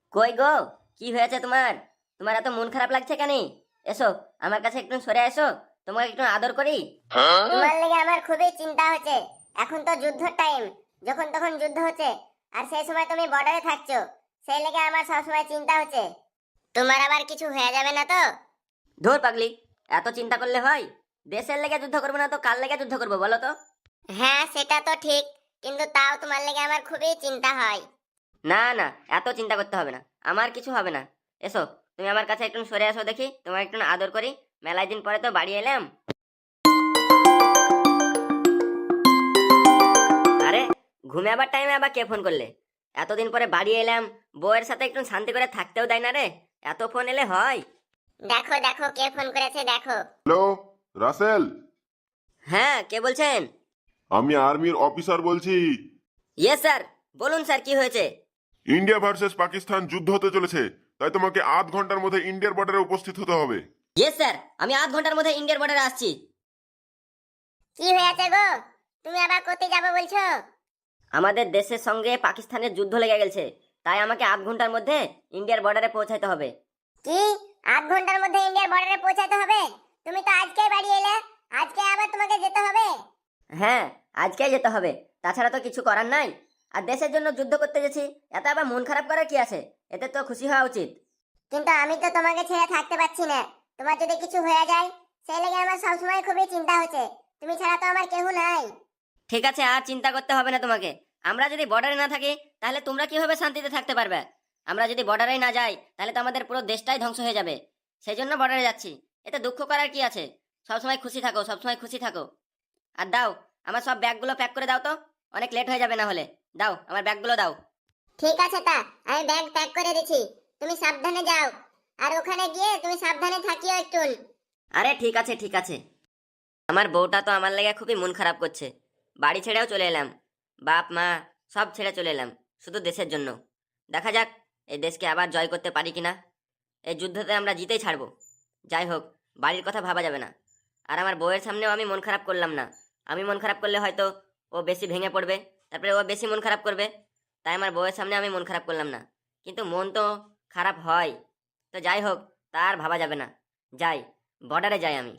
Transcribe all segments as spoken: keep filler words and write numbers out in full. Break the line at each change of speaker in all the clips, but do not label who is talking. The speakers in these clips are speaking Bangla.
কই গো, কি হয়েছে তোমার? তোমার এত মন খারাপ লাগছে কেন? এসো আমার কাছে একটু সরে এসো, তোমাকে একটু আদর করি।
তোমার লেগে আমার খুবই চিন্তা হচ্ছে। এখন তো যুদ্ধ টাইম, যখন তখন যুদ্ধ হচ্ছে, আর সেই সময় তুমি বর্ডারে থাকছো, সেই লেগে আমার সবসময় চিন্তা হচ্ছে তোমার আবার কিছু হয়ে যাবে না তো।
ধুর পাগলি, এত চিন্তা করলে হয়? দেশের লেগে যুদ্ধ করবো না তো কার লেগে যুদ্ধ করবো বলো তো?
হ্যাঁ সেটা তো ঠিক, কিন্তু তাও তোমার লেগে আমার খুবই চিন্তা হয়।
না না, এত চিন্তা করতে হবে না, আমার কিছু হবে না। এসো তুমি আমার কাছে একটু সরে আসো দেখি, তোমার একটু আদর করি। মেলায় দিন পরে তো বাড়ি এলাম। আরে, ঘুমে আবার টাইমে আবার কে ফোন করলে? এতদিন পরে বাড়ি এলাম, বউয়ের সাথে একটু শান্তি করে থাকতেও দেয় না রে। এত ফোন এলে হয়?
দেখো দেখো কে ফোন করেছে দেখো।
হ্যালো, রাসেল।
হ্যাঁ, কে বলছেন?
আমি আর্মির অফিসার বলছি।
ইয়েস স্যার, বলুন স্যার কি হয়েছে?
ইন্ডিয়া ভার্সেস পাকিস্তান যুদ্ধ হতে চলেছে, তাই তোমাকে আধ ঘন্টার মধ্যে ইন্ডিয়ার বর্ডারে উপস্থিত হতে হবে।
ইয়েস স্যার, আমি আধ ঘন্টার মধ্যে ইন্ডিয়ার বর্ডারে আসছি।
কি হয়েছে গো, তুমি আবার কোথায় যাবে বলছো?
আমাদের দেশের সঙ্গে পাকিস্তানের যুদ্ধ লেগে গেছে, তাই আমাকে আধ ঘন্টার মধ্যে ইন্ডিয়ার বর্ডারে পৌঁছাতে হবে।
কি, আধ ঘন্টার মধ্যে ইন্ডিয়ার বর্ডারে পৌঁছাতে হবে? তুমি তো আজকেই বাড়ি এলে, আজকে আবার তোমাকে যেতে হবে?
হ্যাঁ, আজকেই যেতে হবে, তাছাড়া তো কিছু করার নাই। আর দেশের জন্য যুদ্ধ করতে গেছি, এত আবার মন খারাপ করার কি আছে? এতে তো খুশি হওয়া উচিত।
কিন্তু আমি তো তোমাকে ছেড়ে থাকতে পারছি না। তোমার যদি কিছু হয়ে যায়, সেই লেগে আমার সবসময় খুবই চিন্তা হচ্ছে। তুমি ছাড়া তো আমার কেউ নাই।
ঠিক আছে, আর চিন্তা করতে হবে না তোমাকে। আমরা যদি বর্ডারে না থাকি, তাহলে তোমরা কিভাবে শান্তিতে থাকতে পারবে? আমরা যদি বর্ডারে না যাই, তাহলে তো আমাদের পুরো দেশটাই ধ্বংস হয়ে যাবে। সেই জন্য বর্ডারে যাচ্ছি। এতে দুঃখ করার কি আছে? সবসময় খুশি থাকো, সবসময় খুশি থাকো। আর দাও, আমার সব ব্যাগগুলো প্যাক করে দাও তো, অনেক লেট হয়ে যাবে না হলে। দাও, আমার ব্যাগগুলো দাও।
ঠিক আছে, তা আমি ব্যাগ প্যাক করে দিচ্ছি, তুমি সাবধানে যাও। আর ওখানে গিয়ে তুমি সাবধানে থাকিও একটু।
আরে ঠিক আছে ঠিক আছে। আমার বউটা তো আমার লেগে খুবই মন খারাপ করছে। বাড়ি ছেড়েও চলে এলাম, বাপ মা সব ছেড়ে চলে এলাম, শুধু দেশের জন্য। দেখা যাক এই দেশকে আবার জয় করতে পারি কিনা। এই যুদ্ধতে আমরা জিতেই ছাড়বো। যাই হোক, বাড়ির কথা ভাবা যাবে না। আর আমার বউয়ের সামনেও আমি মন খারাপ করলাম না। আমি মন খারাপ করলে হয়তো ও বেশি ভেঙে পড়বে, তারপরে ও বেশি মন খারাপ করবে। তাই আমার বউয়ের সামনে আমি মন খারাপ করলাম না। কিন্তু মন তো খারাপ হয়। তো যাই হোক, তার ভাবা যাবে না। যাই, বর্ডারে যাই আমি।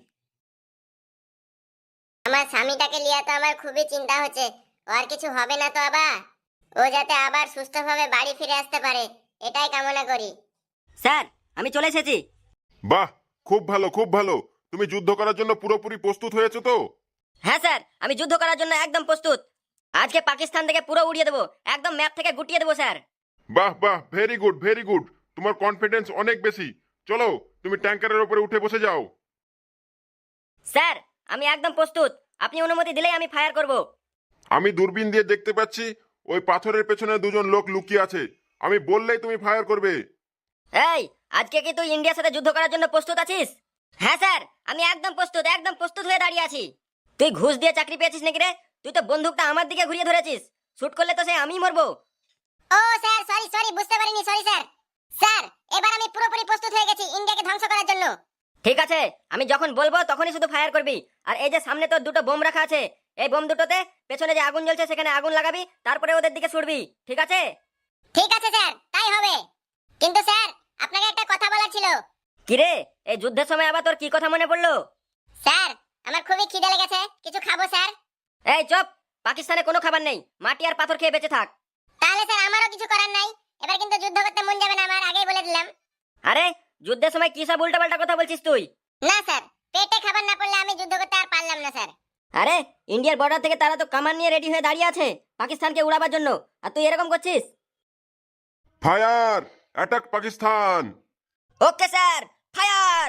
আমার স্বামীটাকে নিয়ে তো আমার খুবই চিন্তা হচ্ছে। ও আর কিছু হবে না তো আবার? ও যাতে আবার সুস্থভাবে বাড়ি ফিরে আসতে পারে, এটাই কামনা করি।
স্যার, আমি চলে এসেছি।
বাহ, খুব ভালো খুব ভালো। তুমি যুদ্ধ করার জন্য পুরোপুরি প্রস্তুত হয়েছো তো?
হ্যাঁ স্যার, আমি যুদ্ধ করার জন্য একদম প্রস্তুত। আজকে পাকিস্তান থেকে পুরো উড়িয়ে দেবো, একদম ম্যাপ থেকে গুটিয়ে দেবো স্যার।
বাহ বাহ, ভেরি গুড ভেরি গুড। তোমার কনফিডেন্স অনেক বেশি। চলো, তুমি ট্যাঙ্কারের উপরে উঠে বসে যাও।
স্যার, আমি একদম প্রস্তুত। আপনি অনুমতি দিলেই আমি ফায়ার করব।
আমি দূরবীন দিয়ে দেখতে পাচ্ছি ওই পাথরের পেছনে দুজন লোক লুকিয়ে আছে। আমি বললেই তুমি ফায়ার করবে।
এই, আজকে কি তুই ইন্ডিয়ার সাথে যুদ্ধ করার জন্য প্রস্তুত আছিস? হ্যাঁ স্যার, আমি একদম প্রস্তুত, একদম প্রস্তুত হয়ে দাঁড়িয়ে আছি। তুই ঘুষ দিয়ে চাকরি পেয়েছিস নাকি রে? তুই তো বন্দুকটা আমার দিকে ঘুরিয়ে ধরেছিস। শুট করলে তো সে আমিই মরবো।
ও স্যার, সরি সরি, বুঝতে পারিনি, সরি স্যার। স্যার, এবার আমি পুরোপুরি প্রস্তুত হয়ে গেছি ইন্ডিয়াকে ধ্বংস করার জন্য।
ঠিক আছে, আমি যখন বলবো তখনই শুধু ফায়ার করবি। আর এই যে সামনে তোর দুটো বোম রাখা আছে, এই বোম দুটোতে পেছনে যে আগুন জ্বলছে সেখানে আগুন লাগাবি, তারপরে ওদের দিকে ছুড়বি। ঠিক আছে?
ঠিক আছে স্যার, তাই হবে। কিন্তু স্যার, আপনাকে একটা কথা বলার ছিল।
কিরে, এই যুদ্ধের সময় আবার তোর কি কথা মনে পড়লো?
স্যার, আমার খুবই খিদে লেগেছে, কিছু খাবো স্যার।
এই চুপ, পাকিস্তানে কোনো খাবার নেই, মাটি আর পাথর খেয়ে বেঁচে থাক।
তাহলে স্যার আমারও কিছু করার নাই। এবার কিন্তু যুদ্ধ করতে মন যাবে না আমার, আগেই বলে দিলাম।
আরে, যুদ্ধের সময় কি সব উল্টাপাল্টা কথা বলছিস তুই?
না স্যার, পেটে খাবার না পড়লে আমি যুদ্ধ করতে আর পারলাম না স্যার।
আরে, ইন্ডিয়ার বর্ডার থেকে তারা তো কামান নিয়ে রেডি হয়ে দাঁড়িয়ে আছে পাকিস্তানকে উড়াবার জন্য, আর তুই এরকম করছিস?
Fire, attack Pakistan.
Okay sir, fire!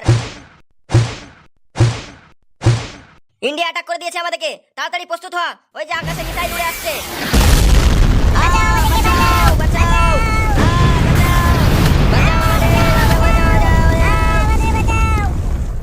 India attack করে দিয়েছে আমাদেরকে, তাড়াতাড়ি প্রস্তুত হ। ওই যে আকাশে মিসাইল উড়ে আসছে।